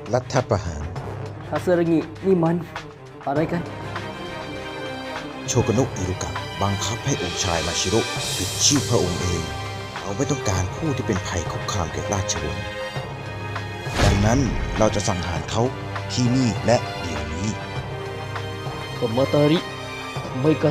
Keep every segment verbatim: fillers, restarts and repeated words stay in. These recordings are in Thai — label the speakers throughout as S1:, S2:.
S1: รัฐประหาร
S2: คาซึรางินี่มันอะไรกัน
S1: โชกโนะอิรุกะบังคับให้องค์ชายมาชิโร่ปิดชื่อพระองค์เองเขาไม่ต้องการผู้ที่เป็นภัยคุกคามแก่ราชวงศ์ดังนั้นเราจะสังหารเขาที่นี่และเดี๋ยวนี้
S2: คามาตาริทำไมกัน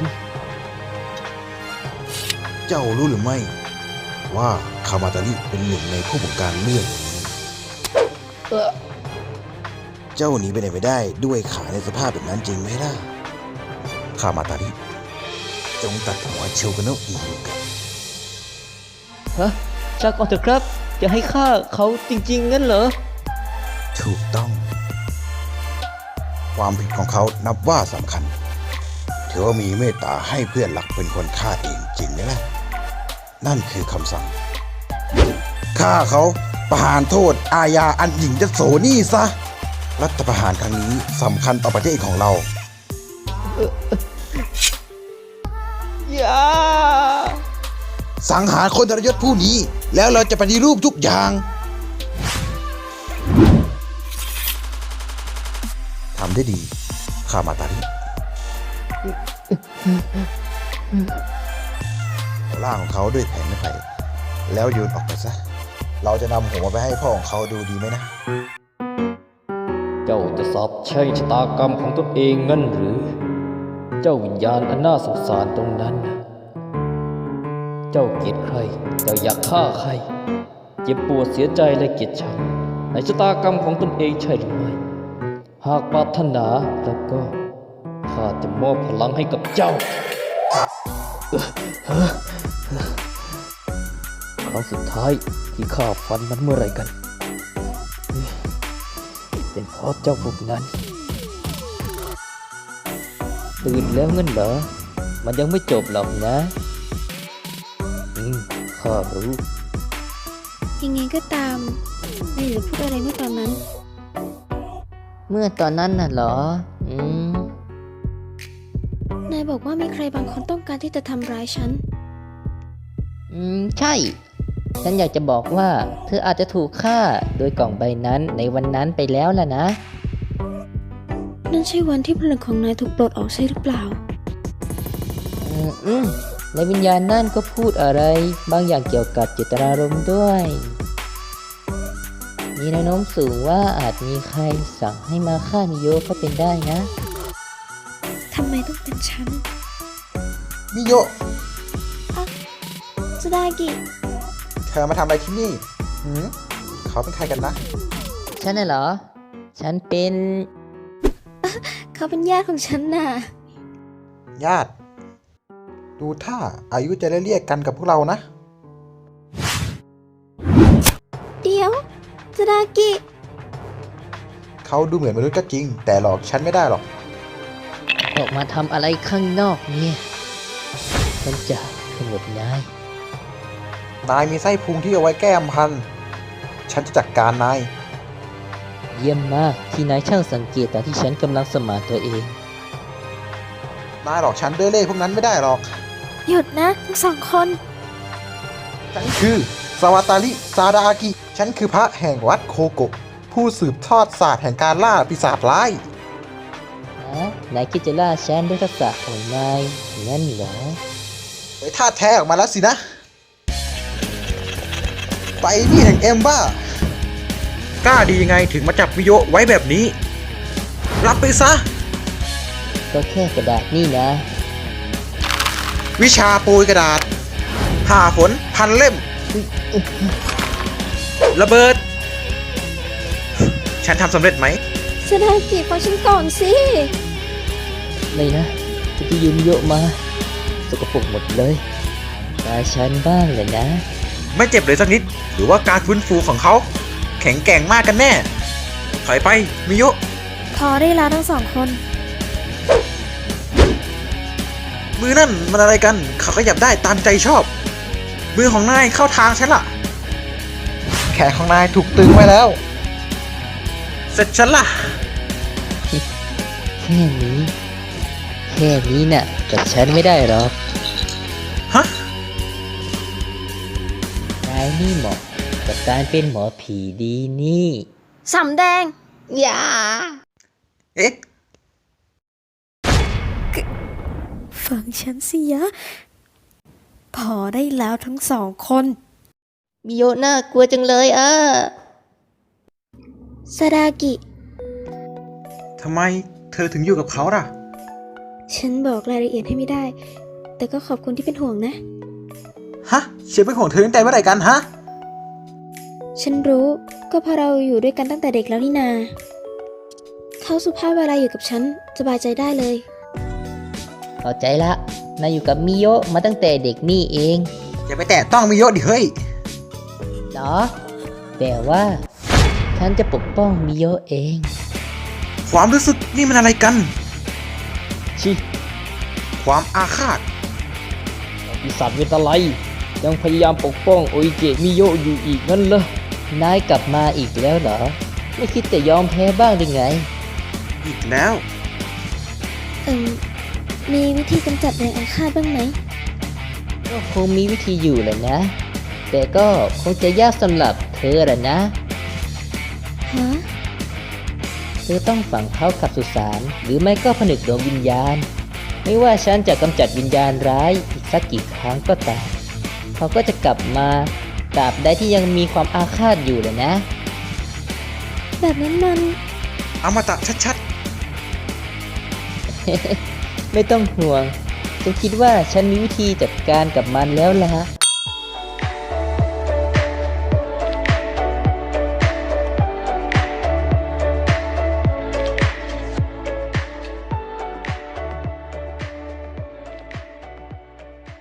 S1: เจ้ารู้หรือไม่ว่าคามาตาริเป็นหนึ่งในผู้บงการเรื่องนี้
S2: เออ
S1: เจ้าหนีไปไหนไม่ได้ด้วยขาในสภาพแบบนั้นจริงไหมล่ะคามาตาริจงตัดหัวโชกโนะอิรุกะ
S2: ฮะชักก่อนเถอะครับ จะให้ฆ่าเขาจริงๆงั้นเหรอ
S1: ถูกต้อง ความผิดของเขานับว่าสำคัญถือว่ามีเมตตาให้เพื่อนหลักเป็นคนฆ่าเองจริงไหมล่ะนั่นคือคำสั่งฆ่าเขาประหารโทษอาญาอันหญิงจะโสนี่ซะรัฐประหารครั้งนี้สำคัญต่อประเทศของเรา
S2: อย่า
S1: สังหารคนทรยศผู้นี้แล้วเราจะปฏิรูปทุกอย่างทำได้ดีคามาตาริเอาร่างของเขาด้วยแผงไม้ไผ่แล้วโยนออกไปซะเราจะนำหัวไปให้พ่อของเขาดูดีไหมนะ
S2: เจ้าจะสอบใช้ชะตากรรมของตนเองงั้นหรือ เจ้าวิญญาณอันน่าสงสารตรงนั้น เจ้าเกลียดใคร เจ้าอยากฆ่าใคร เจ็บปวดเสียใจและเกลียดชังในชะตากรรมของตนเองใช่หรือไม่ หากปรารถนาแล้วก็ข้าจะมอบพลังให้กับเจ้าครั้งสุดท้ายที่ข้าฟันมันเมื่อไรกัน เป็นเพราะเจ้าพวกนั้นตื่นแล้วงั้นเหรอ มันยังไม่จบหรอกนะ อืมข้ารู้
S3: ยังไงก็ตามนายหรือพูดอะไรเมื่อตอนนั้น
S2: เมื่อตอนนั้นน่ะเหรอ อืม
S3: นายบอกว่ามีใครบางคนต้องการที่จะทำร้ายฉัน
S4: อืม ใช่ ฉันอยากจะบอกว่า เธออาจจะถูกฆ่าโดยกล่องใบนั้นในวันนั้นไปแล้วล่ะนะ
S3: นั่นใช่วันที่พลังของนายถูกปลดออกใช่หรือเปล่า
S4: อืมอืมในวิญญาณนั่นก็พูดอะไร บางอย่างเกี่ยวกับเจตนารมณ์ด้วย มีแนวโน้มสูงว่าอาจมีใครสั่งให้มาฆ่ามิโยะก็เป็นได้นะ
S3: ทำไมต้องเป็นฉัน
S1: มิโยะ
S3: สุดากิ
S1: เธอมาทำอะไรที่นี่หืมเขาเป็นใครกันนะ
S4: ฉันน่ะเหรอ ฉันเป็น
S3: เขาเป็นญาติของฉันน่ะ
S1: ญาติ ดูท่าอายุจะได้เรียกกันกับพวกเรานะ
S3: เดี๋ยวสุดากิ
S1: เขาดูเหมือนมนุษย์ก็จริง แต่หลอกฉันไม่ได้หรอก
S4: ออกมาทำอะไรข้างนอกเนี่ย ฉันจะขมวดนาย
S1: นายมีไส้พุงที่เอาไว้แก้มพัน ฉันจะจัดการนาย
S4: เยี่ยมมากที่นายช่างสังเกตตอนที่ฉันกำลังสมานตัวเอง
S1: นายหลอกฉันด้วยเล่ห์พวกนั้นไม่ได้หรอก
S3: หยุดนะทั้งสองคน
S1: ฉันคือสวาตาริซาดาอากิ ฉันคือพระแห่งวัดโคโกะผู้สืบทอดศาสตร์แห่งการล่าปีศาจร้าย
S4: นะนายคิดจะล่าฉันด้วยทักษะของนายงั้นเหรอ
S1: ไปท่าแท้ออกมาแล้วสินะ ไปนี่แห่งเอ็มบ้ากล้าดียังไงถึงมาจับมิโยะไว้แบบนี้ รับไปซะ
S4: ก็แค่กระดาษนี่นะ
S1: วิชาโปรยกระดาษผ่าฝนพันเล่ม ระเบิด ฉันทำสำเร็จไหม
S3: สุดากิฟังฉันก่อนสิ
S4: ไม่นะจะที่ยืมโยะมา สกปรกหมดเลยตาฉันบ้างเลยนะ
S1: ไม่เจ็บเลยสักนิด หรือว่าการฟื้นฟูของเขา แข็งแกร่งมากกันแน่ ถอยไป มิโยะ
S3: พอได้แล้วทั้งสองคน
S1: มือนั่นมันอะไรกัน เขาขยับได้ตามใจชอบ มือของนายเข้าทางฉันล่ะ แขนของนายถูกตึงไว้แล้ว เสร็จฉันล่ะ
S4: แค่นี้ แค่นี้น่ะกับฉันไม่ได้หรอก
S1: ฮะ
S4: นายนี่เหมาะกับการเป็นหมอผีดีนี่
S3: สำแดง
S4: อย่า
S1: เอ๊ะ
S3: ฟังฉันสิยะ พอได้แล้วทั้งสองคน
S4: มิโยะน่ากลัวจังเลยอ่ะ
S3: ซาดากิ
S1: ทำไมเธอถึงอยู่กับเขาล่ะ
S3: ฉันบอกรายละเอียดให้ไม่ได้ แต่ก็ขอบคุณที่เป็นห่วงนะ
S1: ฮะเชียร์เป็นของเธอตั้งแต่เมื่อไหร่กันฮะ
S3: ฉันรู้ก็เพราะเราอยู่ด้วยกันตั้งแต่เด็กแล้วนี่นา เขาสุภาพเวลาอยู่กับฉันสบายใจได้เลย
S4: เข้าใจละ นายอยู่กับมิโยะมาตั้งแต่เด็กนี่เอง
S1: อย่าไปแตะต้องมิโยะดิเฮ้ย
S4: เหรอ แต่ว่า ฉันจะปกป้องมิโยะเอง
S1: ความรู้สึกนี่มันอะไรกัน
S2: ชิ
S1: ความอาฆาต
S2: ปีศาจเวทไลยังพยายามปกป้องโออิเกะมิโยะอยู่อีกงั้นเหรอ
S4: นายกลับมาอีกแล้วเหรอ ไม่คิดจะยอมแพ้บ้างหรือไง
S1: อีกแล้ว
S3: เอิมมีวิธีกำจัดแรงอาฆาตบ้างไหม
S4: ก็คงมีวิธีอยู่แหละนะ แต่ก็คงจะยากสำหรับเธอแหละนะ
S3: ฮะ
S4: เธอต้องฝังเขากับสุสานหรือไม่ก็ผนึกดวงวิญญาณ ไม่ว่าฉันจะกำจัดวิญญาณร้ายอีกสักกี่ครั้งก็ตามเขาก็จะกลับมาตราบใดที่ยังมีความอาฆาตอยู่เลยนะ
S3: แบบนั้นมัน
S1: อมตะชัด
S4: ไม่ต้องห่วงฉันคิดว่าฉันมีวิธีจัดการกับมันแล้วล่ะ